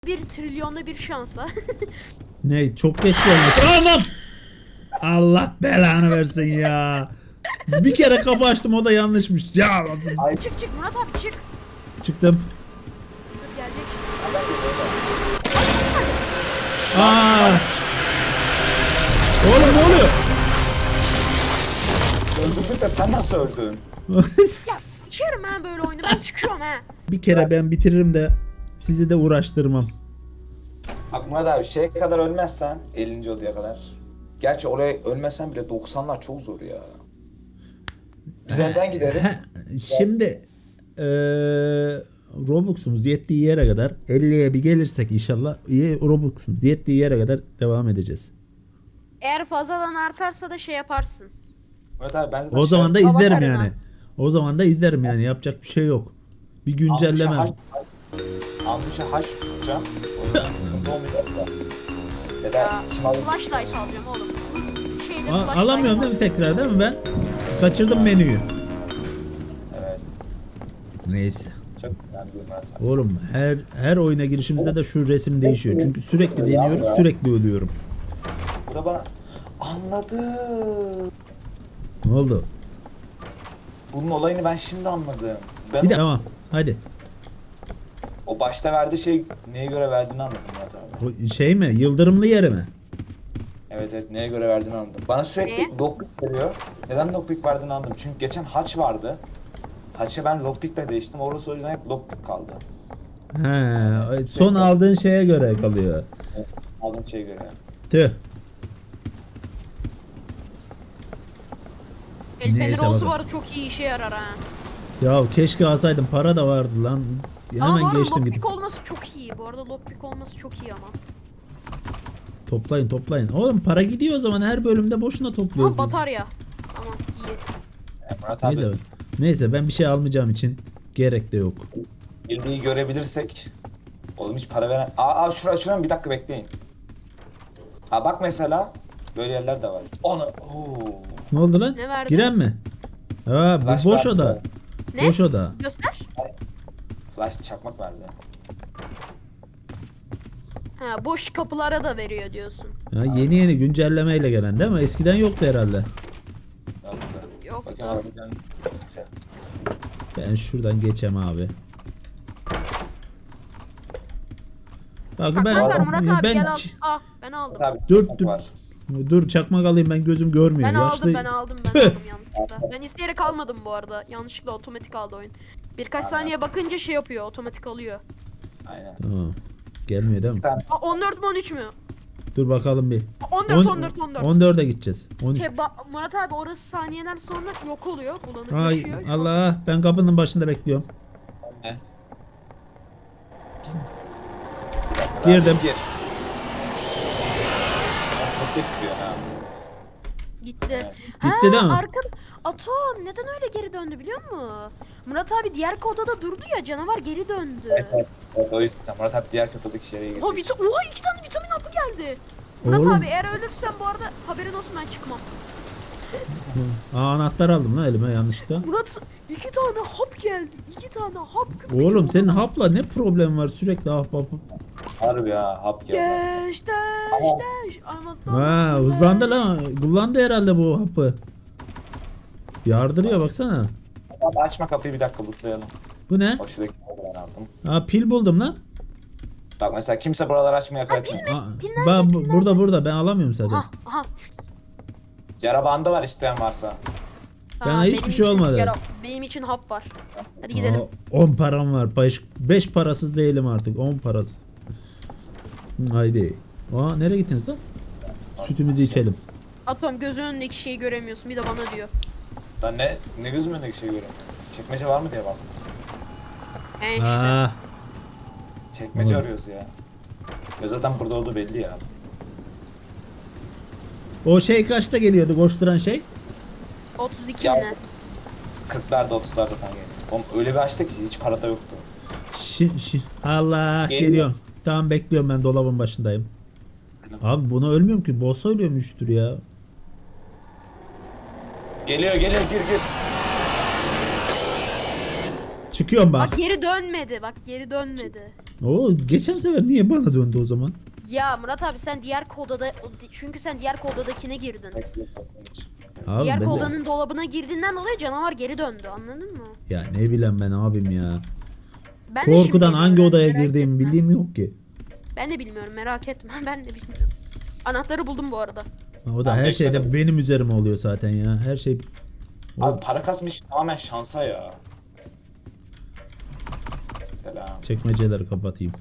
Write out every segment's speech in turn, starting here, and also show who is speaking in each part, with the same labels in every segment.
Speaker 1: 1 trilyonda bir şansa.
Speaker 2: Ne çok geç gelmiş. Aman! Allah belanı versin ya. Bir kere kapı açtım, o da yanlışmış. Ya
Speaker 1: Çık çık Murat abi çık.
Speaker 2: çıktım.
Speaker 1: Dur gelecek.
Speaker 2: Aa! Oğlum ne oluyor?
Speaker 3: Öldürdük de sen nasıl öldün?
Speaker 1: Çıkarım ha böyle oyunu, ben çıkıyorum ha.
Speaker 2: Bir kere ben bitiririm de sizi de uğraştırmam.
Speaker 3: Bak Murat abi şeye kadar ölmezsen 50. odaya kadar. Gerçi oraya ölmezsen bile 90'lar çok zor ya. Biz önden gideriz.
Speaker 2: Şimdi Robux'umuz yettiği yere kadar 50'ye bir gelirsek inşallah Robux'umuz yettiği yere kadar devam edeceğiz.
Speaker 1: Eğer fazladan artarsa da şey yaparsın.
Speaker 3: Murat abi ben zaten
Speaker 2: O zaman da
Speaker 1: Hava
Speaker 2: izlerim
Speaker 1: karına.
Speaker 2: yani. O zaman da izlerim yani. Yapacak bir şey yok. Bir güncelleme.
Speaker 3: Ambuşa haş tutacağım. O zaman sıkıntı olmayacak da. Ya da
Speaker 1: Ya,
Speaker 3: kim alır?
Speaker 1: flashlight alacağım oğlum. Şeyde flashlight
Speaker 2: Alamıyorum değil mi tekrar, değil mi ben? Kaçırdım menüyü.
Speaker 3: Evet.
Speaker 2: Neyse.
Speaker 3: Çok önemli bir Murat abi.
Speaker 2: Oğlum her oyuna girişimizde de şu resim değişiyor. Çünkü sürekli deniyoruz, sürekli ölüyorum.
Speaker 3: Bu da bana anladım.
Speaker 2: Ne oldu?
Speaker 3: Bunun olayını ben şimdi anladım. Ben
Speaker 2: Bir de tamam. Hadi.
Speaker 3: o başta verdiği şey neye göre verdiğini anladım Murat abi.
Speaker 2: O şey mi? Yıldırımlı yeri mi?
Speaker 3: Evet evet neye göre verdiğini anladım. Bana sürekli
Speaker 1: Ne?
Speaker 3: lockpick veriyor. Neden lockpick verdiğini anladım. Çünkü geçen haç vardı. Haçı ben lockpick'le değiştim. Orası o yüzden hep lockpick kaldı.
Speaker 2: He, son aldığın şeye göre kalıyor.
Speaker 3: Aldığım şeye göre.
Speaker 2: Tüh.
Speaker 1: El feneri
Speaker 2: Neyse,
Speaker 1: olsa
Speaker 2: bakalım.
Speaker 1: bu arada çok iyi işe yarar ha.
Speaker 2: Ya keşke alsaydım, para da vardı lan.
Speaker 1: Ama bu
Speaker 2: Hemen
Speaker 1: arada
Speaker 2: geçtim
Speaker 1: lockpick
Speaker 2: gidip.
Speaker 1: olması çok iyi. Bu arada lockpick olması çok iyi ama.
Speaker 2: Toplayın. Oğlum para gidiyor o zaman, her bölümde boşuna topluyoruz
Speaker 1: Ama
Speaker 2: biz.
Speaker 1: batarya. Tamam iyi.
Speaker 3: Murat abi
Speaker 2: Neyse ben bir şey almayacağım için gerek de yok.
Speaker 3: bildiği görebilirsek. Oğlum hiç para veren... Aa şuradan bir dakika bekleyin. Ha bak mesela böyle yerler de var. Onu. Oo.
Speaker 2: Ne oldu lan?
Speaker 1: Ne verdi?
Speaker 2: Giren mi? Ha
Speaker 3: Flash
Speaker 2: bu boş
Speaker 3: verdi.
Speaker 2: oda.
Speaker 1: Ne?
Speaker 2: Boş oda.
Speaker 1: Göster.
Speaker 3: Flash çakmak verdi.
Speaker 1: Ha boş kapılara da veriyor diyorsun.
Speaker 2: Ha, yeni güncellemeyle gelen değil mi? Eskiden yoktu herhalde.
Speaker 3: Yoktu.
Speaker 1: Yok
Speaker 3: Bakayım
Speaker 1: da.
Speaker 3: harbiden.
Speaker 2: Ben şuradan geçem abi. Bak
Speaker 1: Bak
Speaker 2: ben
Speaker 1: var Murat abi
Speaker 2: ben
Speaker 1: gel al. Ah ben aldım.
Speaker 3: Abi
Speaker 2: Dur,
Speaker 3: çakmak
Speaker 2: dur.
Speaker 3: var.
Speaker 2: dur çakmak alayım, ben gözüm görmüyor.
Speaker 1: Ben
Speaker 2: Yaşlı...
Speaker 1: aldım ben aldım
Speaker 2: Tüh!
Speaker 1: yanlışlıkla. Ben isteyerek almadım bu arada. Yanlışlıkla otomatik aldı oyun. Birkaç saniye bakınca şey yapıyor, otomatik alıyor.
Speaker 3: Aynen.
Speaker 2: Tamam. Gelmiyor değil mi?
Speaker 1: Aa, 14 mi 13 mü?
Speaker 2: Dur bakalım bir.
Speaker 1: 14
Speaker 2: On-
Speaker 1: 14 14.
Speaker 2: 14'e gideceğiz. 13.
Speaker 1: Şey, Murat abi orası saniyeler sonra yok oluyor,
Speaker 2: Ay
Speaker 1: bulanıklaşıyor.
Speaker 2: Allah, ben kapının başında bekliyorum.
Speaker 3: Ne?
Speaker 2: Girdim.
Speaker 3: Gir. Çok geç gidiyor ha.
Speaker 1: Gitti.
Speaker 3: Evet.
Speaker 2: Gitti değil mi?
Speaker 1: Atom neden öyle geri döndü biliyor musun? Murat abi diğer odada durdu ya, canavar geri döndü.
Speaker 3: Evet, o yüzden Murat abi diğer kötülük yere gitti.
Speaker 1: Oha 2 tane vitamin hapı geldi. Murat
Speaker 2: Oğlum.
Speaker 1: abi eğer ölürsen bu arada haberin olsun, ben çıkmam.
Speaker 2: Anahtar aldım lan elime yanlışlıkla.
Speaker 1: Murat 2 tane hap geldi. 2 tane hap.
Speaker 2: Oğlum senin hapla ne problem var, sürekli hap.
Speaker 3: Harbi ya hap geldi.
Speaker 1: Geç Ama
Speaker 2: Ha hızlandı lan. Kullandı herhalde bu hapı. Yardırıyor baksana.
Speaker 3: Abi açma kapıyı bir dakika lootlayalım.
Speaker 2: Bu ne?
Speaker 3: O şuradaki ben aldım.
Speaker 2: Ha pil buldum lan.
Speaker 3: Bak mesela kimse buraları açmaya kalkmıyor.
Speaker 2: Burada ben alamıyorum zaten.
Speaker 1: Aha.
Speaker 3: Yara bandı var isteyen varsa.
Speaker 2: Bana hiçbir şey olmadı.
Speaker 1: Benim için hap var. Hadi gidelim.
Speaker 2: 10 param var. 5 parasız değilim artık. 10 parasız. Haydi. Aa nereye gittiniz lan? Sütümüzü içelim.
Speaker 1: Atom gözünün önündeki şeyi göremiyorsun, bir de bana diyor.
Speaker 3: Ben ne gözümün önündeki şey görüyorum. Çekmece var mı diye bak.
Speaker 1: He işte.
Speaker 2: Aa,
Speaker 3: Çekmece
Speaker 2: Oğlum.
Speaker 3: arıyoruz ya. Ya zaten burada olduğu belli ya.
Speaker 2: o şey kaçta geliyordu koşturan şey?
Speaker 1: 32
Speaker 3: Ya.
Speaker 1: mi ne?
Speaker 3: 40'larda 30'larda falan geliyor. Oğlum öyle bir açtı ki hiç para da yoktu.
Speaker 2: Allah
Speaker 3: Geliyor.
Speaker 2: geliyor. Tamam bekliyorum, ben dolabın başındayım. Abi buna ölmüyorum ki. Boss'a ölüyormuştur ya.
Speaker 3: Geliyor gir.
Speaker 2: Çıkıyorum bak.
Speaker 1: Bak geri dönmedi.
Speaker 2: Oo, geçen sefer niye bana döndü o zaman?
Speaker 1: Ya Murat abi sen diğer kodada çünkü sen diğer kodadakine girdin.
Speaker 2: Abi
Speaker 1: Diğer
Speaker 2: ben de-
Speaker 1: kodanın dolabına girdiğinden dolayı canavar geri döndü. Anladın mı?
Speaker 2: Ya ne bileyim ben abim ya.
Speaker 1: Ben de şimdi
Speaker 2: Korkudan hangi
Speaker 1: bilmiyorum,
Speaker 2: odaya
Speaker 1: merak
Speaker 2: girdiğimi
Speaker 1: etme.
Speaker 2: bildiğim yok ki.
Speaker 1: Ben de bilmiyorum, merak etme. Ben de bilmiyorum. Anahtarı buldum bu arada.
Speaker 2: O da
Speaker 3: Ben
Speaker 2: her şeyde
Speaker 3: bekledim.
Speaker 2: benim üzerime oluyor zaten ya. Her şey
Speaker 3: Abi para kasmış tamamen şansa ya. Selam.
Speaker 2: çekmeceleri kapatayım.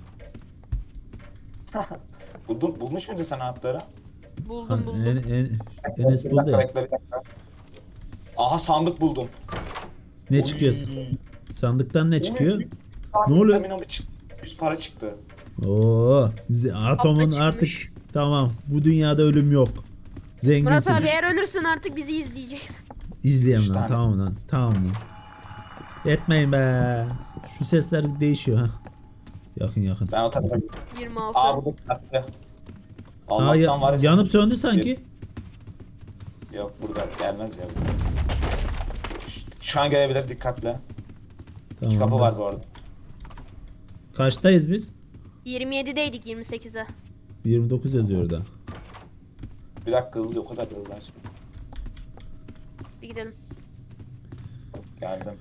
Speaker 3: Bulmuş muydun sen anahtarı?
Speaker 1: Buldum buldum.
Speaker 2: Enes
Speaker 3: Bir
Speaker 2: buldu
Speaker 3: dakika,
Speaker 2: ya.
Speaker 3: bekle, bir dakika. Aha sandık buldum.
Speaker 2: Ne çıkıyor? Sandıktan ne çıkıyor? Ne
Speaker 3: Ne
Speaker 2: oluyor?
Speaker 3: 100 para çıktı.
Speaker 2: Oo, atomun
Speaker 1: çıkmış.
Speaker 2: artık tamam. Bu dünyada ölüm yok.
Speaker 1: Murat
Speaker 2: Zenginsin.
Speaker 1: abi eğer ölürsün artık bizi izleyeceksin.
Speaker 2: İzleyeyim
Speaker 3: Üç
Speaker 2: lan.
Speaker 3: tane.
Speaker 2: Tamam lan. Tamam lan. Etmeyin be. Şu sesler değişiyor ha. Yakın yakın.
Speaker 3: Ben o tarafa
Speaker 1: 26.
Speaker 3: Aa bu kitapta.
Speaker 2: Aa,
Speaker 3: Allah'tan var ya.
Speaker 2: yanıp söndü sanki.
Speaker 3: Yok burada gelmez ya. Şu an gelebilir dikkatle. İki
Speaker 2: Tamam.
Speaker 3: kapı var bu arada.
Speaker 2: Kaçtayız biz?
Speaker 1: 27'deydik 28'e.
Speaker 2: 29 yazıyor orada.
Speaker 3: Bir dakika hızlı o kadar hızlı açma.
Speaker 1: Bir gidelim.
Speaker 3: Geldim.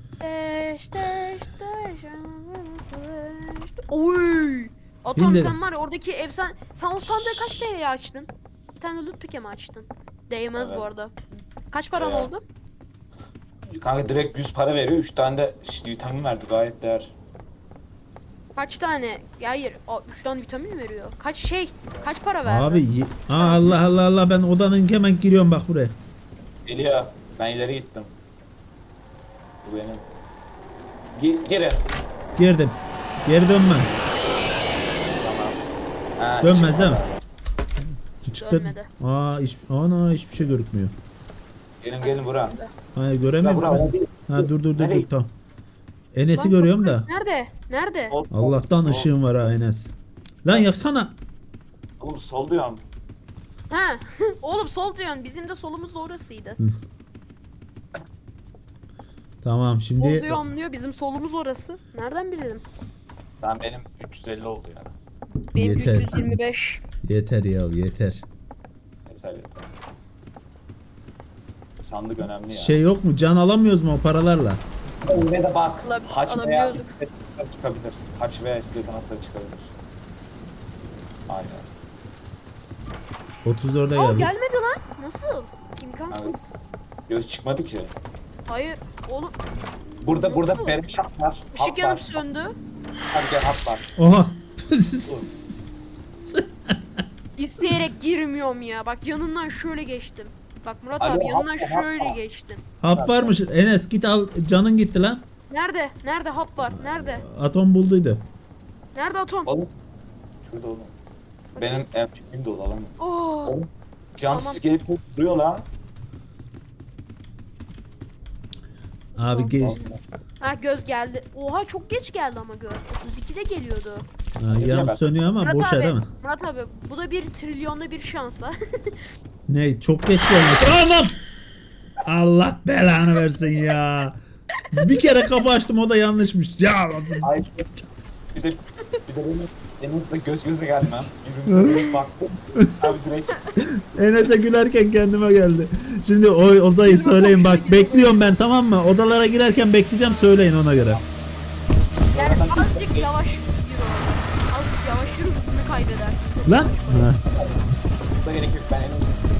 Speaker 1: Oy! Atom
Speaker 2: Bilmiyorum.
Speaker 1: sen var ya oradaki efsane... Sen o sandığı kaç TL'ye açtın? Bir tane loot pick'e mi açtın? Değmez
Speaker 3: Evet.
Speaker 1: bu arada. Kaç paran
Speaker 3: Evet.
Speaker 1: oldu?
Speaker 3: Kanka direkt 100 para veriyor. 3 tane de işte vitamin verdi gayet değer.
Speaker 1: Kaç tane? Ya hayır. 3 tane vitamin mi veriyor? Kaç para verdi?
Speaker 2: Abi Allah Allah Allah, ben odanın hemen giriyorum bak buraya.
Speaker 3: Geliyor. Ben ileri gittim. Bu benim. Geri.
Speaker 2: Girdim. Geri dönme.
Speaker 3: Tamam. Ha,
Speaker 2: Dönmez
Speaker 3: çıkma
Speaker 2: değil mi?
Speaker 3: abi.
Speaker 2: Çıktı.
Speaker 1: Dönmedi.
Speaker 2: Ana hiçbir şey görükmüyor.
Speaker 3: Gelin buraya.
Speaker 2: Hayır göremiyorum.
Speaker 3: Bura
Speaker 2: Ben.
Speaker 3: değil.
Speaker 2: Ha dur
Speaker 3: Nereye?
Speaker 2: tamam. Enes'i
Speaker 1: Lan,
Speaker 2: görüyorum da.
Speaker 1: Nerede? Nerede?
Speaker 2: Allah'tan
Speaker 3: Sol.
Speaker 2: ışığın var ha Enes. Lan yaksana.
Speaker 3: Oğlum sol diyorum.
Speaker 1: Ha. Oğlum sol diyorsun. Bizim de solumuz da orasıydı.
Speaker 2: Tamam
Speaker 1: Sol
Speaker 2: şimdi
Speaker 1: diyor anlıyor. Bizim solumuz orası. Nereden bilelim?
Speaker 3: Benim 350 oldu yani.
Speaker 1: Benim
Speaker 2: Yeter.
Speaker 1: 325.
Speaker 2: yeter ya yeter.
Speaker 3: Yeter yeter. Sandık önemli ya.
Speaker 2: Şey yok mu? Can alamıyoruz mu o paralarla?
Speaker 3: Yine de bak. Haç veya
Speaker 1: alabiliyorduk.
Speaker 3: iskelet çıkabilir. Haç veya iskelet anahtarı çıkabilir. Aynen.
Speaker 2: 34'e
Speaker 1: Aa
Speaker 2: geldik.
Speaker 1: gelmedi lan. Nasıl? İmkansız.
Speaker 3: Göz çıkmadı ki.
Speaker 1: Hayır. Oğlum
Speaker 3: Burada
Speaker 1: Nasıl?
Speaker 3: benim şap var.
Speaker 1: ışık
Speaker 3: Hap
Speaker 1: yanıp
Speaker 3: var.
Speaker 1: söndü.
Speaker 3: Hadi gel hap var.
Speaker 2: Oha.
Speaker 1: İsteyerek girmiyorum ya. Bak yanından şöyle geçtim. Bak Murat
Speaker 3: Alo,
Speaker 1: abi yanından
Speaker 3: hap var,
Speaker 1: şöyle
Speaker 3: hap var.
Speaker 1: geçtim.
Speaker 2: Hap varmış. Enes git al. Canın gitti lan.
Speaker 1: Nerede? Nerede hap var? Nerede?
Speaker 2: Atom bulduydu.
Speaker 1: Nerede atom?
Speaker 3: Oğlum. Şurada oğlum. Benim MP'm dolu alamam.
Speaker 1: Oo.
Speaker 3: Can
Speaker 1: Tamam.
Speaker 3: gelip duruyor la.
Speaker 2: Abi geç.
Speaker 1: Ha göz geldi. Oha çok geç geldi ama göz. 32'de geliyordu.
Speaker 2: Ha, yanıp sönüyor ama
Speaker 1: Murat
Speaker 2: boşa
Speaker 1: abi,
Speaker 2: değil mi?
Speaker 1: Murat abi bu da 1 trilyonda bir şansa.
Speaker 2: Ne? Çok geç gelmiş. Aman! Allah belanı versin ya. Bir kere kapı açtım o da yanlışmış. Ya
Speaker 3: Ay. Bir de benim de göz göze gelmem. Birbirimize direkt baktık. Abi direkt
Speaker 2: Enes'e gülerken kendime geldi. Şimdi o odayı söyleyin bak. Bekliyorum ben, tamam mı? Odalara girerken bekleyeceğim, söyleyin ona göre.
Speaker 1: Yani azıcık yavaş yürü. Azıcık yavaş yürü hızını kaybedersin.
Speaker 2: Lan. Ha.
Speaker 3: da gerek yok. Ben en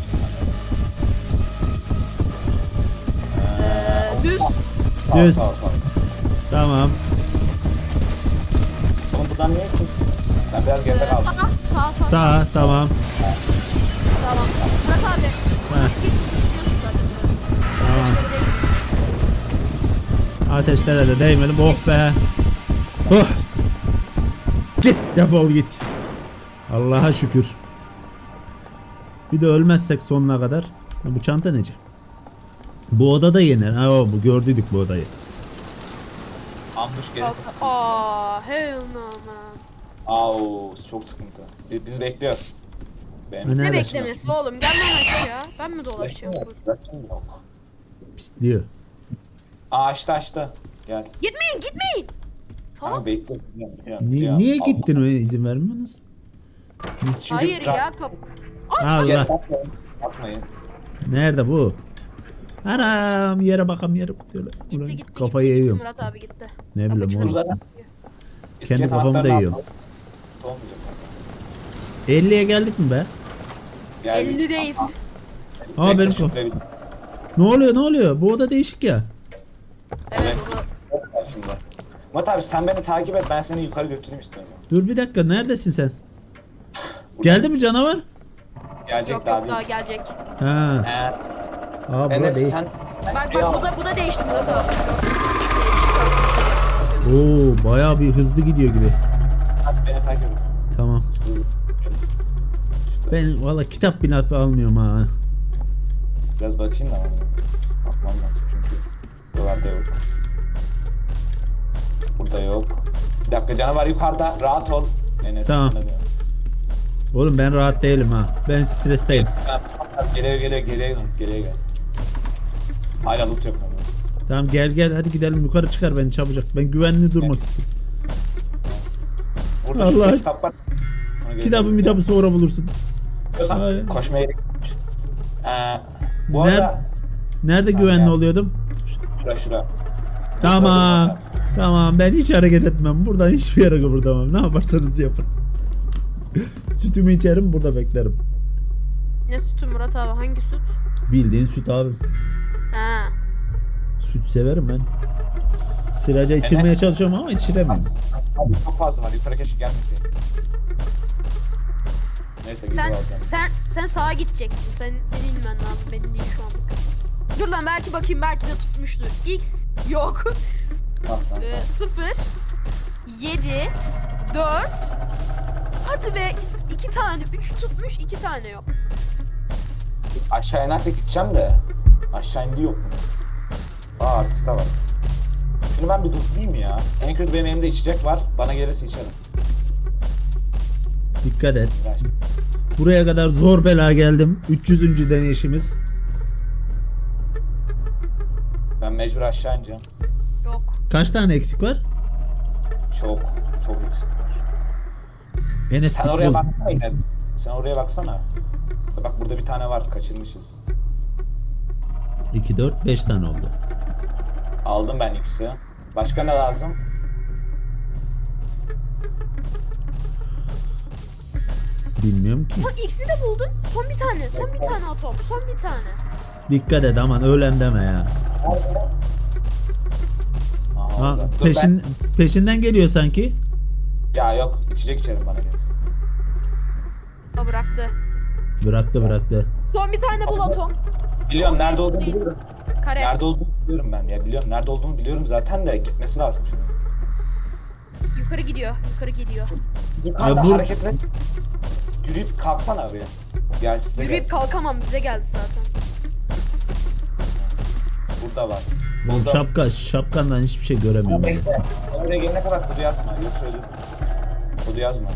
Speaker 1: Düz.
Speaker 2: Düz.
Speaker 3: Sağ.
Speaker 2: Tamam.
Speaker 3: Oğlum buradan niye ki? Ben biraz geride
Speaker 1: Sağ.
Speaker 3: kaldım.
Speaker 1: Sağ.
Speaker 2: Sağ, tamam.
Speaker 1: Tamam. Murat abi.
Speaker 2: Heh.
Speaker 1: Git, gidiyorsun zaten.
Speaker 2: Tamam.
Speaker 1: Şöyle değil.
Speaker 2: Ateşlere de değmedim. Oh be. Oh. Git, defol git. Allah'a şükür. Bir de ölmezsek sonuna kadar. Ha, bu çanta nece? Bu oda da yener. Ha, bu gördüydük bu odayı.
Speaker 3: Ambush gelirse.
Speaker 1: Hell no man.
Speaker 3: Au çok sıkıntı. Biz bekliyoruz. Benim
Speaker 2: Ne
Speaker 1: Ne
Speaker 2: Evet.
Speaker 1: beklemesi oğlum? Gel lan aşağı. Ben mi dolaşacağım?
Speaker 3: Rakım yok.
Speaker 2: Pisliyor.
Speaker 3: Aa açtı. Gel.
Speaker 1: Gitmeyin.
Speaker 3: Kanka
Speaker 1: Salak.
Speaker 3: bekle.
Speaker 2: Niye gittin öyle izin vermiyorsunuz?
Speaker 3: Çünkü
Speaker 1: Hayır ya
Speaker 2: Allah.
Speaker 3: Bakmayın.
Speaker 2: Nerede bu? Anam yere bakam yere. Ulan
Speaker 1: gitti.
Speaker 2: kafayı
Speaker 1: gitti.
Speaker 2: yiyorum.
Speaker 1: Murat abi gitti.
Speaker 2: Ne bileyim
Speaker 1: Kapı
Speaker 2: oğlum.
Speaker 1: çıktı.
Speaker 2: Kendi kafamı da yiyorum.
Speaker 3: Olmayacak.
Speaker 2: 50'ye geldik mi be?
Speaker 1: 50'deyiz.
Speaker 2: Aa, benim Ne oluyor? Bu oda değişik ya.
Speaker 1: Evet onu.
Speaker 3: Şimdi. Murat abi sen beni takip et, ben seni yukarı götüreyim istiyorsan.
Speaker 2: Dur bir dakika, neredesin sen? Geldi mi canavar?
Speaker 3: Gelecek
Speaker 1: Yok
Speaker 3: daha
Speaker 1: yok daha
Speaker 3: değil.
Speaker 1: gelecek.
Speaker 2: Ha. Aa, bura
Speaker 3: Enes
Speaker 2: değil.
Speaker 3: sen...
Speaker 1: Bak bu da değişti Murat abi.
Speaker 2: Oo, bayağı bir hızlı gidiyor gibi.
Speaker 3: Hadi beni takip et.
Speaker 2: Tamam.
Speaker 3: Hızlı.
Speaker 2: Ben valla kitap bile almıyorum ha.
Speaker 3: Biraz bakayım da. Bakmam lazım çünkü. Buralarda yok. Burada yok. Bir dakika, canavar yukarıda. Rahat ol. Enes.
Speaker 2: Tamam.
Speaker 3: sana diyorum.
Speaker 2: Oğlum ben rahat değilim ha. Ben stresteyim.
Speaker 3: Geriye gel. Hala loot yapıyorum.
Speaker 2: Tamam gel hadi gidelim, yukarı çıkar beni çabucak. Ben güvenli durmak istiyorum.
Speaker 3: Burada
Speaker 2: Allah.
Speaker 3: şurada kitap var.
Speaker 2: Kitabı sonra bulursun. Ay.
Speaker 3: Koşmaya gitmiş. Bu arada
Speaker 2: Nerede güvenli oluyordum?
Speaker 3: şura.
Speaker 2: Tamam ben hiç hareket etmem. Buradan hiçbir yere kıpırdamam. Ne yaparsanız yapın. Sütümü içerim, burada beklerim.
Speaker 1: Ne sütü Murat abi? Hangi süt?
Speaker 2: Bildiğin süt abi.
Speaker 1: Ha.
Speaker 2: Süt severim ben. Sıraca içirmeye
Speaker 3: Enes.
Speaker 2: çalışıyorum ama içiremiyorum.
Speaker 3: Abi çok fazla var. Yukarı keşke gelmeseydi. Neyse gidiyor alacağım.
Speaker 1: Sen sağa gideceksin. Senin inmen lazım. Benim değil şu anlık. Dur lan belki bakayım, belki de tutmuştur. X yok.
Speaker 3: Tamam.
Speaker 1: 0 7 4 hadi be 2 tane 3 tutmuş, 2 tane yok.
Speaker 3: Aşağı inersek gideceğim de. Aşağı indi yok mu? Artist de var. Şunu ben bir tutlayayım ya. En kötü benim elimde içecek var. Bana gelirse içerim.
Speaker 2: Dikkat et.
Speaker 3: Ver.
Speaker 2: Buraya kadar zor bela geldim. 300. deneyişimiz.
Speaker 3: Ben mecbur aşağı ineceğim.
Speaker 1: Yok.
Speaker 2: Kaç tane eksik var?
Speaker 3: Çok eksik var.
Speaker 2: Enes
Speaker 3: Sen
Speaker 2: git
Speaker 3: oraya
Speaker 2: bul.
Speaker 3: baksana yine. Sen oraya baksana. Mesela bak burada bir tane var. Kaçırmışız.
Speaker 2: 2, 4, 5 tane oldu.
Speaker 3: Aldım ben X'i. Başka ne lazım?
Speaker 2: Bilmiyorum ki.
Speaker 1: Bak X'i de buldun. Son bir tane atom. Son bir tane.
Speaker 2: Dikkat et aman ölen deme ya.
Speaker 3: Aha,
Speaker 2: Ha,
Speaker 3: orada. Dur
Speaker 2: peşinden geliyor sanki.
Speaker 3: Ya yok, içecek içerim bana gelirse.
Speaker 1: O bıraktı.
Speaker 2: Bıraktı.
Speaker 1: Son bir tane bul atom.
Speaker 3: Biliyorum
Speaker 1: O
Speaker 3: nerede
Speaker 1: değil,
Speaker 3: olduğunu
Speaker 1: değil.
Speaker 3: biliyorum.
Speaker 1: Kare.
Speaker 3: Nerede olduğunu biliyorum ben ya. Biliyorum nerede olduğunu biliyorum zaten de gitmesi lazım şimdi.
Speaker 1: Yukarı gidiyor.
Speaker 3: Yukarıda
Speaker 2: Ya bu-
Speaker 3: hareketler. Yürüyüp kalksana abi ya. Gel size
Speaker 1: Yürüyüp
Speaker 3: gelsin.
Speaker 1: kalkamam, bize geldi zaten.
Speaker 3: Burada var.
Speaker 2: Oğlum
Speaker 3: Burada.
Speaker 2: şapkandan hiçbir şey göremiyorum.
Speaker 3: Bekle. Oraya gelene kadar kodu yazma. Yoksa ölürüm. Kodu yazma.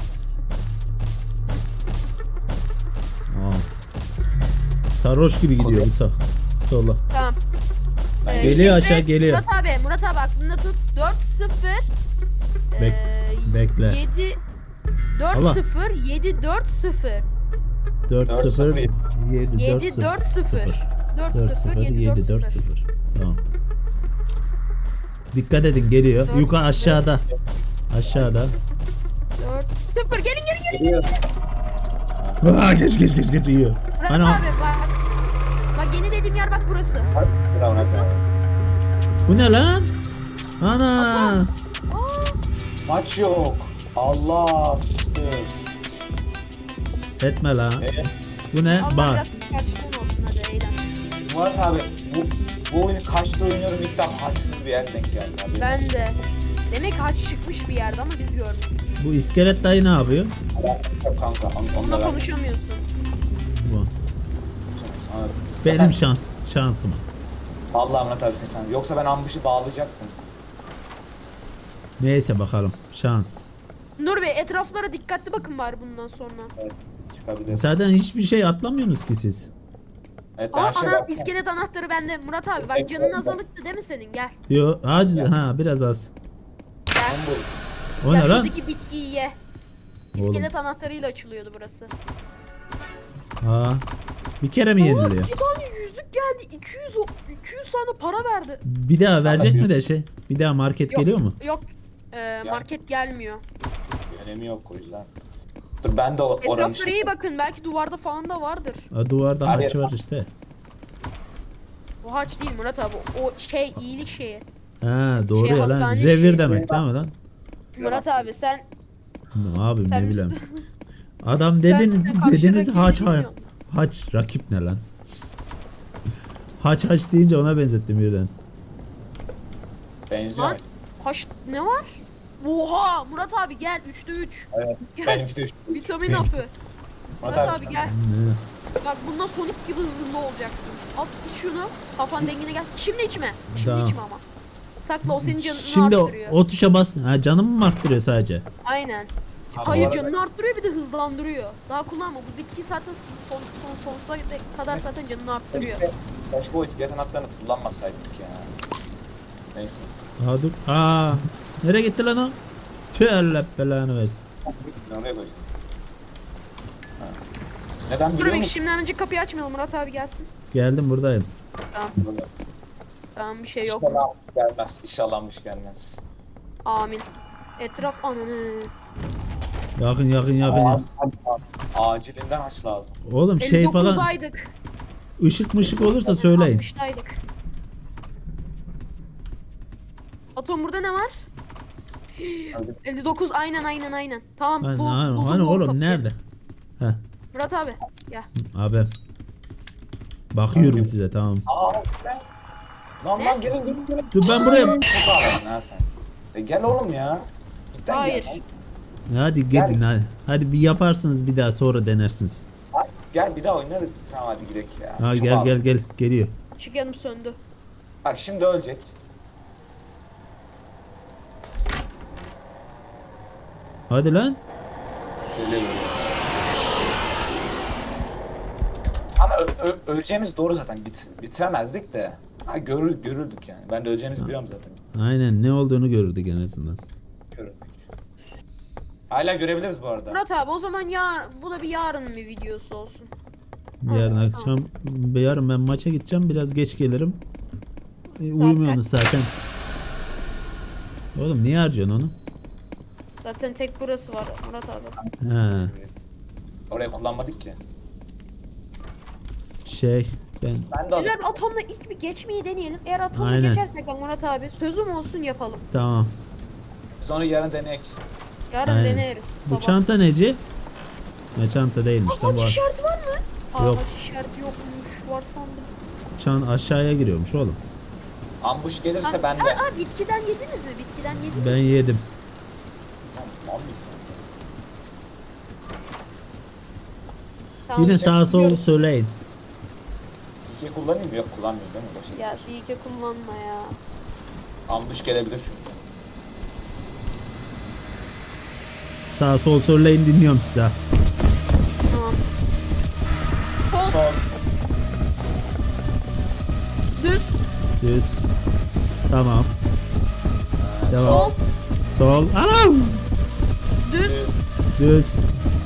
Speaker 2: Aa. Sarhoş gibi gidiyor bu sola.
Speaker 1: Tamam.
Speaker 3: Ben
Speaker 2: Geliyor
Speaker 1: Şimdi
Speaker 2: aşağı, geliyor.
Speaker 1: Murat abi aklında tut. 4-0
Speaker 2: Bekle.
Speaker 1: 7
Speaker 2: Allah.
Speaker 1: 4-0 7-4-0
Speaker 2: 4-0 7
Speaker 1: 7 4-0 4-0 7
Speaker 2: 7 4 0. Tamam. Dikkat edin geliyor.
Speaker 1: Dört,
Speaker 2: Yukarı aşağıda. Aşağıda.
Speaker 1: 4-0 gelin.
Speaker 3: Geliyor.
Speaker 2: Aa, geç yiyor.
Speaker 1: Murat
Speaker 2: Hani
Speaker 1: abi bak yeni dediğim yer bak burası.
Speaker 3: Bravo,
Speaker 1: Nasıl?
Speaker 2: bu ne lan? Ana.
Speaker 1: Aa,
Speaker 3: Maç yok. Allah sıçtı.
Speaker 2: Etme lan.
Speaker 3: Evet.
Speaker 2: Bu ne?
Speaker 1: Allah
Speaker 2: Bak.
Speaker 1: biraz gerçekten olsun hadi eğlen.
Speaker 3: Murat abi bu oyunu kaçta oynuyorum, ilk defa haçsız bir yer denk geldi abi.
Speaker 1: Ben de. Demek haç çıkmış bir yerde ama biz görmedik.
Speaker 2: Bu iskelet dayı ne yapıyor?
Speaker 3: Yok kanka onunla
Speaker 1: Onunla
Speaker 3: ben.
Speaker 1: konuşamıyorsun.
Speaker 2: Bu.
Speaker 3: Sana-
Speaker 2: Benim
Speaker 3: Zaten-
Speaker 2: şansım.
Speaker 3: Vallahi Murat abi sen. Yoksa ben ambuşu bağlayacaktım.
Speaker 2: Neyse bakalım. Şans.
Speaker 1: Nur Bey etraflara dikkatli bakın bari bundan sonra.
Speaker 3: Evet, çıkabilir.
Speaker 2: Zaten hiçbir şey atlamıyorsunuz ki siz.
Speaker 3: Evet ben
Speaker 1: Aa,
Speaker 3: her şeye baktım.
Speaker 1: iskelet anahtarı bende. Murat abi bak canın azalıktı değil mi senin? Gel.
Speaker 2: Yo, biraz az.
Speaker 1: Gel.
Speaker 3: buldum.
Speaker 2: O
Speaker 1: Ya
Speaker 2: ne lan?
Speaker 1: şuradaki bitkiyi ye.
Speaker 2: Oğlum.
Speaker 1: İskelet anahtarıyla açılıyordu burası.
Speaker 2: Aa. Bir kere mi
Speaker 1: Aa,
Speaker 2: yeniliyor?
Speaker 1: bir tane yüzük geldi. 200 tane para verdi.
Speaker 2: Bir daha verecek mi de şey? Bir daha market
Speaker 1: Yok.
Speaker 2: geliyor mu?
Speaker 1: Yok. Market gelmiyor.
Speaker 3: Önemi yok o yüzden. Dur ben de oranın
Speaker 1: Etraflara iyi bakın. Belki duvarda falan da vardır.
Speaker 2: Aa, duvarda
Speaker 3: Abi-
Speaker 2: haç var işte.
Speaker 1: O haç değil Murat abi. O şey iyilik şeyi.
Speaker 2: Ha doğru
Speaker 1: Şey,
Speaker 2: ya lan.
Speaker 1: hastane
Speaker 2: Revir
Speaker 1: şeyi.
Speaker 2: demek değil mi lan?
Speaker 1: Murat abi sen
Speaker 2: Abim
Speaker 1: sen
Speaker 2: ne bileyim.
Speaker 1: Müslü-
Speaker 2: Adam
Speaker 1: sen
Speaker 2: dedin
Speaker 1: karşı
Speaker 2: dediniz
Speaker 1: rakibi
Speaker 2: haç
Speaker 1: bilmiyorsun.
Speaker 2: haç rakip ne lan? Haç deyince ona benzettim birden.
Speaker 3: benziyor.
Speaker 1: Lan kaç ne var? Oha Murat abi gel 3'te 3.
Speaker 3: Evet.
Speaker 1: Gel.
Speaker 3: Benimki de 3.
Speaker 1: Vitamin hapı. Murat abi gel.
Speaker 2: Ne?
Speaker 1: Bak bundan Sonic gibi hızlı olacaksın. At iç şunu. Kafan dengine gelsin. Şimdi içme. Şimdi
Speaker 2: Tamam.
Speaker 1: içme ama. Sakla o senin canını
Speaker 2: Şimdi
Speaker 1: arttırıyor.
Speaker 2: o tuşa bas. Ha canımı mı arttırıyor sadece?
Speaker 1: Aynen.
Speaker 3: Ha,
Speaker 1: Hayır
Speaker 3: bu arada-
Speaker 1: canını arttırıyor bir de hızlandırıyor. Daha kullanma. Bu bitki zaten sonsuza kadar zaten canını arttırıyor.
Speaker 3: Keşke o iskelet anahtarını kullanmasaydık ya. Neyse.
Speaker 2: Aa dur. Aa. Nereye gitti lan o? Tüh Allah belanı versin.
Speaker 3: Oraya koyacağım. Ha. Neden
Speaker 1: Dur
Speaker 3: biliyor
Speaker 1: bir
Speaker 3: musun?
Speaker 1: şimdi önce kapıyı açmayalım. Murat abi gelsin.
Speaker 2: Geldim buradayım.
Speaker 1: Tamam. Tamam bir şey yok.
Speaker 3: İnşallah gelmez. İnşallahmış gelmez.
Speaker 1: Amin. Etraf ananı.
Speaker 2: Yakın yakın yakın. yakın.
Speaker 3: Acilinden aç lazım.
Speaker 2: Oğlum şey falan
Speaker 1: 59'daydık.
Speaker 2: ışık mışık olursa söyleyin.
Speaker 1: 60'daydık. Atom burada ne var?
Speaker 3: Hadi.
Speaker 1: 59 aynen. Tamam
Speaker 2: Hani,
Speaker 1: bu
Speaker 2: hani,
Speaker 1: buldum
Speaker 2: hani
Speaker 1: doğru
Speaker 2: oğlum
Speaker 1: kapıyı.
Speaker 2: nerede? Heh
Speaker 1: Murat abi gel.
Speaker 2: abi. Bakıyorum
Speaker 3: Abi.
Speaker 2: size tamam.
Speaker 3: Lan gelin.
Speaker 2: Dur ben buraya.
Speaker 3: Çok ağladın ha sen. Gel oğlum ya. Cidden
Speaker 1: Hayır.
Speaker 3: Gel.
Speaker 2: Hadi gelin hadi. Hadi bir yaparsınız bir daha sonra denersiniz.
Speaker 3: Gel bir daha oynarız. Tamam hadi gidelim ya.
Speaker 2: Ha
Speaker 3: Çok
Speaker 2: gel
Speaker 3: ağladın.
Speaker 2: gel geliyor.
Speaker 1: Işık yanım söndü.
Speaker 3: Bak şimdi ölecek.
Speaker 2: Hadi lan.
Speaker 3: Geliyor. Ama öleceğimiz doğru zaten. Bitiremezdik de. Ha görürdük yani. Ben de öleceğimizi biliyorum zaten.
Speaker 2: Aynen ne olduğunu görürdük en azından.
Speaker 3: Görürdük. Hala görebiliriz bu arada.
Speaker 1: Murat abi o zaman ya bu da bir yarın bir videosu olsun.
Speaker 2: Yarın
Speaker 1: Tamam.
Speaker 2: akşam yarın ben maça gideceğim biraz geç gelirim. Uyumuyorsunuz zaten. Oğlum niye harcıyorsun onu?
Speaker 1: Zaten tek burası var Murat abi.
Speaker 2: Ha
Speaker 3: Oraya kullanmadık ki.
Speaker 2: şey ben
Speaker 3: Ben de
Speaker 1: Güzel bir atomla ilk bir geçmeyi deneyelim. Eğer atomla
Speaker 2: Aynen.
Speaker 1: geçersek bak Murat abi sözüm olsun yapalım.
Speaker 2: tamam.
Speaker 3: Sonra yarın deneyek.
Speaker 1: Yarın
Speaker 2: Aynen.
Speaker 1: deneriz.
Speaker 2: Bu
Speaker 1: sabah.
Speaker 2: çanta neci? Ne çanta değilmiş
Speaker 1: Aa,
Speaker 2: lan bu.
Speaker 1: haç işareti var mı? Aa,
Speaker 2: Yok.
Speaker 1: haç işareti yokmuş. Var sandım.
Speaker 2: Çan aşağıya giriyormuş oğlum.
Speaker 3: Ambush gelirse
Speaker 1: Aa,
Speaker 3: ben de.
Speaker 1: aa, bitkiden yediniz mi? Bitkiden yediniz.
Speaker 2: Ben yedim.
Speaker 3: Tamam, ambush.
Speaker 1: Tamam.
Speaker 2: Yine sağa sol söyleyin.
Speaker 3: Sike kullanayım mı? Yok kullanmıyorum değil mi? Boşa.
Speaker 1: Ya silke kullanma ya.
Speaker 3: Ambush gelebilir çünkü.
Speaker 2: Sağa sol söyleyin dinliyorum size.
Speaker 1: Tamam. Sol,
Speaker 3: Son.
Speaker 1: düz,
Speaker 2: Düz. Tamam. Devam.
Speaker 1: sol,
Speaker 2: Sol. Anam.
Speaker 1: düz,
Speaker 2: Düz.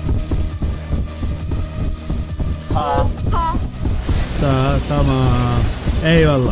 Speaker 3: Sağ.
Speaker 1: sağ.
Speaker 2: Sağ. Tamam. Eyvallah.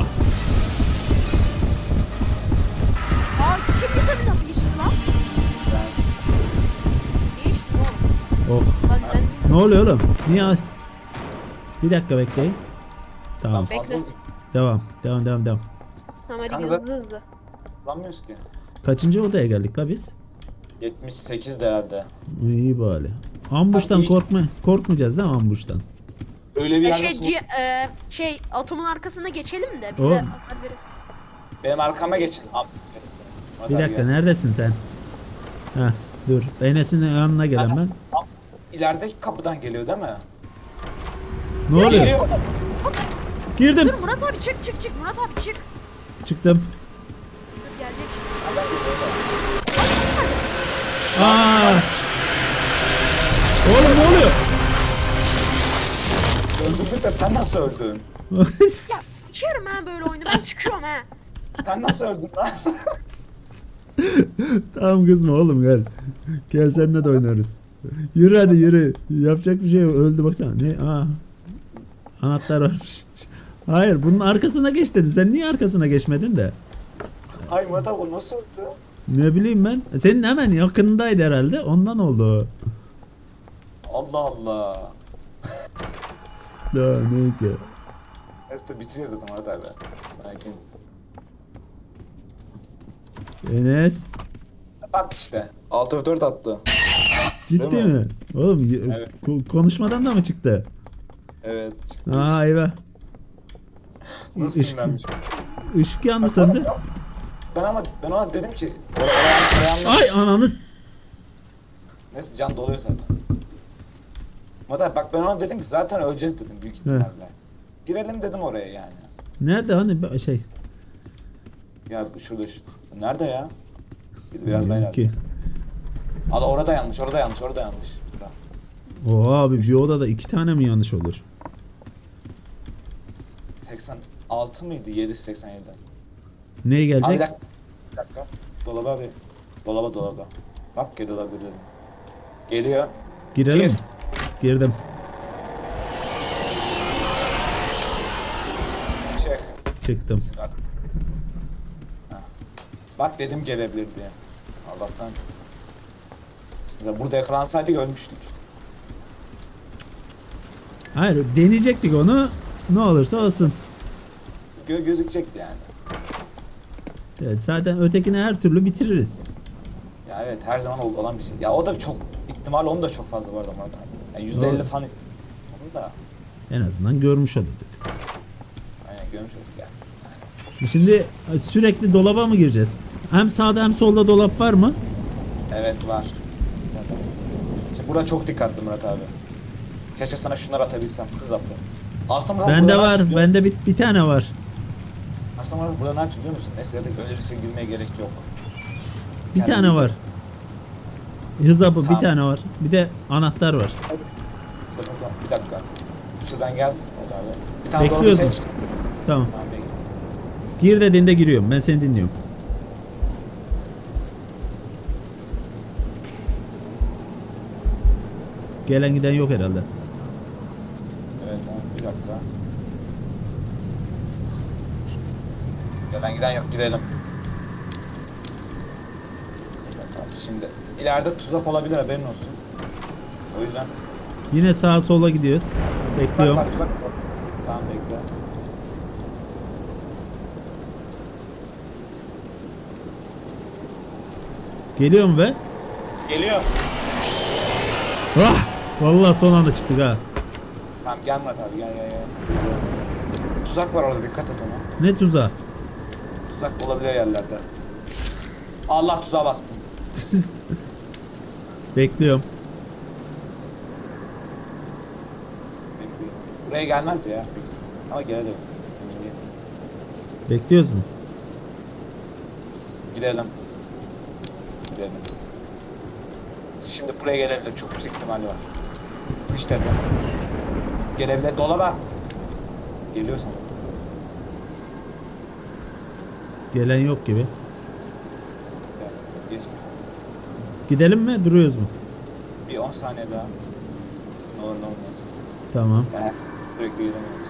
Speaker 1: Aa, kim vitamin hapı içti lan?
Speaker 3: Ben.
Speaker 1: Ne içtin oğlum?
Speaker 2: Oh.
Speaker 1: Lan ben
Speaker 2: Ne oluyor oğlum? Niye? Bir dakika bekleyin. Tamam.
Speaker 3: Fazla
Speaker 1: Bekle.
Speaker 3: hızlı
Speaker 2: Devam. Devam.
Speaker 1: Tamam hadi
Speaker 3: Kanka
Speaker 1: hızlı
Speaker 3: zaten-
Speaker 1: hızlı.
Speaker 3: kullanmıyoruz ki.
Speaker 2: Kaçıncı odaya geldik la biz?
Speaker 3: 78 de herhalde.
Speaker 2: İyi bari. Ambuştan
Speaker 3: Abi-
Speaker 2: korkmayacağız değil mi ambuştan?
Speaker 3: Öyle bir
Speaker 1: Ya
Speaker 3: yerde
Speaker 1: şey atomun arkasına geçelim de bize
Speaker 2: Oğlum.
Speaker 1: hasar verir.
Speaker 3: benim arkama geçin.
Speaker 2: Bir dakika neredesin sen? Heh, dur. Enes'in yanına gelen ben.
Speaker 3: İlerideki kapıdan geliyor değil mi?
Speaker 2: Ne oluyor?
Speaker 3: Geliyor.
Speaker 2: Girdim.
Speaker 1: Dur Murat abi çık Murat abi çık.
Speaker 2: Çıktım.
Speaker 1: Dur gelecek.
Speaker 2: Aa! Oğlum ne oluyor?
Speaker 3: Öldürdük de sen nasıl öldün?
Speaker 1: İçerim ha böyle oyunu ben çıkıyorum ha.
Speaker 3: Sen nasıl öldün lan?
Speaker 2: Tamam kızma oğlum gel. Gel seninle de oynarız. Yürü hadi yürü. Yapacak bir şey yok. Öldü baksana. Ne? Aa. Anahtar varmış. Hayır bunun arkasına geç dedi. Sen niye arkasına geçmedin de?
Speaker 3: Ay Murat abi o nasıl oldu?
Speaker 2: Ne bileyim ben. Senin hemen yakınındaydı herhalde. Ondan oldu.
Speaker 3: Allah Allah.
Speaker 2: Daha neyse.
Speaker 3: Neyse bitireceğiz zaten Murat abi. Sakin.
Speaker 2: Enes.
Speaker 3: Bak işte. 6-4 attı.
Speaker 2: Ciddi
Speaker 3: Değil mi?
Speaker 2: mi? Oğlum
Speaker 3: Evet.
Speaker 2: konuşmadan da mı çıktı?
Speaker 3: Evet. çıkmış.
Speaker 2: Aa eyvah.
Speaker 3: Nasıl
Speaker 2: Işık,
Speaker 3: sinirlenmiş?
Speaker 2: ışık yandı söndü.
Speaker 3: Ben ona dedim ki oraya yanlış.
Speaker 2: Ay ananı.
Speaker 3: Neyse can doluyor zaten. Murat abi bak ben ona dedim ki zaten öleceğiz dedim büyük ihtimalle. Girelim dedim oraya yani.
Speaker 2: Nerede hani şey?
Speaker 3: Ya şurada nerede ya? Biraz daha
Speaker 2: Ki.
Speaker 3: ileride. Abi orada yanlış, orada yanlış, orada yanlış. Bura.
Speaker 2: Oha abi bir odada 2 tane mi yanlış olur?
Speaker 3: 86 mıydı? 787.
Speaker 2: Neye
Speaker 3: Abi
Speaker 2: gelecek?
Speaker 3: bir dakika. Dolaba abi. Dolaba. Bak gel dolaba girelim. Geliyor.
Speaker 2: Girelim
Speaker 3: Gir.
Speaker 2: mi? Girdim.
Speaker 3: Çek.
Speaker 2: Çıktım.
Speaker 3: Artık. Heh. Bak dedim gelebilir diye. Allah'tan. Mesela burada yakalansaydık ölmüştük.
Speaker 2: Hayır deneyecektik onu. Ne olursa olsun.
Speaker 3: Gözükecekti yani.
Speaker 2: Evet, zaten ötekini her türlü bitiririz.
Speaker 3: Ya evet her zaman olan bir şey. Ya o da çok ihtimal onun da çok fazla bu arada Murat abi. Yani %50
Speaker 2: Doğru.
Speaker 3: falan onu da
Speaker 2: En azından görmüş olurduk.
Speaker 3: aynen görmüş olduk yani.
Speaker 2: Şimdi sürekli dolaba mı gireceğiz? Hem sağda hem solda dolap var mı?
Speaker 3: Evet var. Şimdi burada çok dikkatli Murat abi. Keşke sana şunları atabilsem hız apı. Aslında Murat
Speaker 2: Bende
Speaker 3: burada ne
Speaker 2: var.
Speaker 3: yapıyorsun?
Speaker 2: Bende bir tane var.
Speaker 3: Aslında Murat burada ne yapıyorsun biliyor musun? Neyse ya da öyle riske girmeye gerek yok.
Speaker 2: Bir
Speaker 3: Kendin
Speaker 2: tane
Speaker 3: bil.
Speaker 2: var. Hız hapı bir
Speaker 3: Tamam.
Speaker 2: tane var. Bir de anahtar var.
Speaker 3: Bir dakika. Şuradan gel Murat abi. Bir tane dolabı
Speaker 2: Bekliyorsun.
Speaker 3: seç.
Speaker 2: Tamam.
Speaker 3: Tamam bekle.
Speaker 2: Gir dediğinde giriyorum. Ben seni dinliyorum. Gelen giden yok herhalde.
Speaker 3: Evet tamam bir dakika. Gelen giden yok girelim. Evet, tamam, şimdi ileride tuzak olabilir haberin olsun. O yüzden
Speaker 2: Yine sağa sola gidiyoruz. Bekliyorum.
Speaker 3: bak tuzak. Tamam bekle.
Speaker 2: Geliyor mu be?
Speaker 3: Geliyor.
Speaker 2: Ah! Vallahi son anda çıktık ha.
Speaker 3: Tamam gel Murat abi gel. Tuzak var orada dikkat et ona.
Speaker 2: Ne tuzağı?
Speaker 3: Tuzak olabilir yerlerde. Allah tuzağa bastım.
Speaker 2: Bekliyorum.
Speaker 3: Bekliyorum. Buraya gelmez ya. Ama gelelim.
Speaker 2: Bekliyoruz mu?
Speaker 3: Gidelim. Şimdi buraya gelebilir. Çok yüksek ihtimali var. İşte de. Gelebilir. Dolaba. Geliyor sana.
Speaker 2: Gelen yok gibi.
Speaker 3: Gel. Geç.
Speaker 2: Gidelim mi? Duruyoruz mu?
Speaker 3: Bir 10 saniye daha. Ne olur ne olmaz.
Speaker 2: Tamam.
Speaker 3: Yani sürekli gidemiyoruz.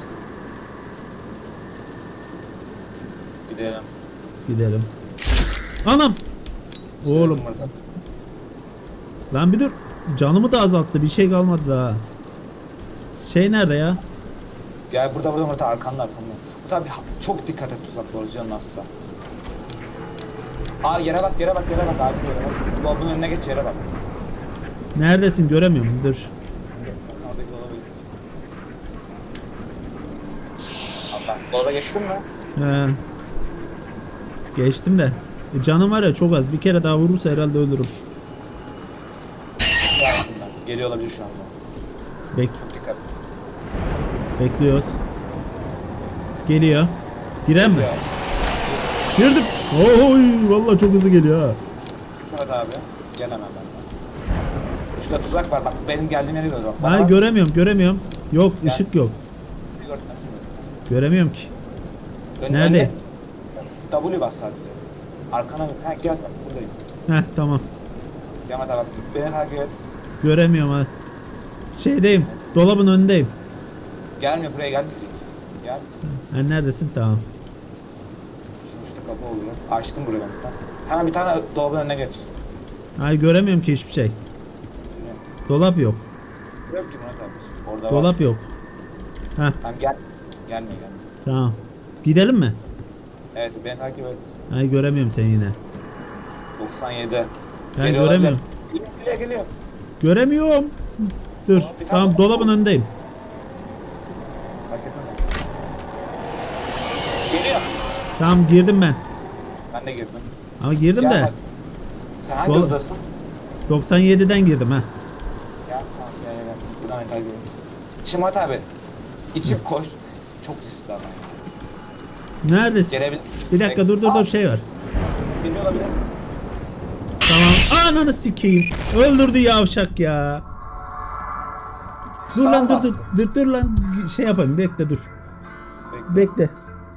Speaker 3: Gidelim.
Speaker 2: Gidelim. Anam! Oğlum.
Speaker 3: Murat abi.
Speaker 2: Lan bir dur. Canımı da azalttı. Bir şey kalmadı daha. Şey nerede ya?
Speaker 3: Gel burada Murat abi, arkanda. Bu tabi çok dikkat et tuzaklara canın azsa. Aa yere bak acil yere bak. Dolabın önüne geç yere bak.
Speaker 2: Neredesin? Göremiyorum. Dur.
Speaker 3: Sen oradaki dolaba git. Allah. Dolaba geçtin mi?
Speaker 2: He. Geçtim de. Canım var ya çok az. Bir kere daha vurursa herhalde ölürüm.
Speaker 3: Geliyor olabilir şu anda. Çok dikkat.
Speaker 2: Bekliyoruz. Geliyor. Giren mi?
Speaker 3: Geliyor.
Speaker 2: Girdim. Oy vallahi çok hızlı geliyor ha.
Speaker 3: Evet abi. Gel hemen benden. Şurada tuzak var bak benim geldiğim yere doğru bak. Bana
Speaker 2: Hayır
Speaker 3: bak.
Speaker 2: göremiyorum. Yok
Speaker 3: Gel.
Speaker 2: ışık yok.
Speaker 3: Bir gör, nasıl görüyorsun?
Speaker 2: Göremiyorum ki.
Speaker 3: Önüne-
Speaker 2: Nerede?
Speaker 3: W bas sadece. Arkana gel bak burada. buradayım.
Speaker 2: Heh tamam.
Speaker 3: Gel Murat abi. Beni takip et.
Speaker 2: Göremiyorum ha. Şeydeyim. Dolabın önündeyim.
Speaker 3: Gelmiyor buraya gelmeyecek. Gel.
Speaker 2: Ha, neredesin? Tamam.
Speaker 3: Şimdi üstte kapı oluyor. Açtım burayı ben zaten. Hemen bir tane dolabın önüne geç.
Speaker 2: Ay göremiyorum ki hiçbir şey. Dolap yok.
Speaker 3: Yok ki Murat abi. Orada var.
Speaker 2: Dolap yok. Heh
Speaker 3: Tamam gel. Gelme gelme.
Speaker 2: tamam. Gidelim mi?
Speaker 3: Evet beni takip et.
Speaker 2: Ay göremiyorum seni yine.
Speaker 3: 97.
Speaker 2: Ben
Speaker 3: Geliyor
Speaker 2: göremiyorum.
Speaker 3: olabilir. Geliyor geliyor.
Speaker 2: Göremiyorum. Dur.
Speaker 3: Bir tane
Speaker 2: Tamam
Speaker 3: daha
Speaker 2: dolabın
Speaker 3: var.
Speaker 2: önündeyim.
Speaker 3: Fark etmez. Geliyor.
Speaker 2: Tamam girdim ben.
Speaker 3: Ben de girdim.
Speaker 2: Ama girdim
Speaker 3: Gel
Speaker 2: de
Speaker 3: bak. Sen hangi
Speaker 2: Dol-
Speaker 3: odadasın?
Speaker 2: 97'den girdim ha.
Speaker 3: Gel tamam gel. Buradan beni takip et. Şimdi Murat abi. İçip koş. Çok riskli ama.
Speaker 2: Neredesin?
Speaker 3: Gelebilir.
Speaker 2: Bir dakika dur şey var.
Speaker 3: Geliyor olabilir.
Speaker 2: Tamam. Ananı sikeyim. Öldürdü yavşak ya. Dur lan
Speaker 3: Sağ
Speaker 2: dur lan şey yapayım bekle dur. Bekle.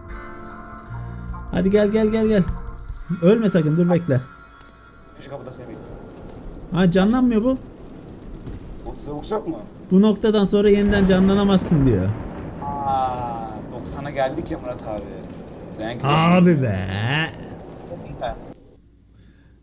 Speaker 2: Hadi gel. Ölme sakın dur bekle.
Speaker 3: Şu kapıda seni bekliyorum.
Speaker 2: Ha canlanmıyor bu.
Speaker 3: Soğuk yok mu?
Speaker 2: Bu noktadan sonra yeniden canlanamazsın diyor.
Speaker 3: Aa, 90'a geldik ya Murat abi. Ben
Speaker 2: Abi be.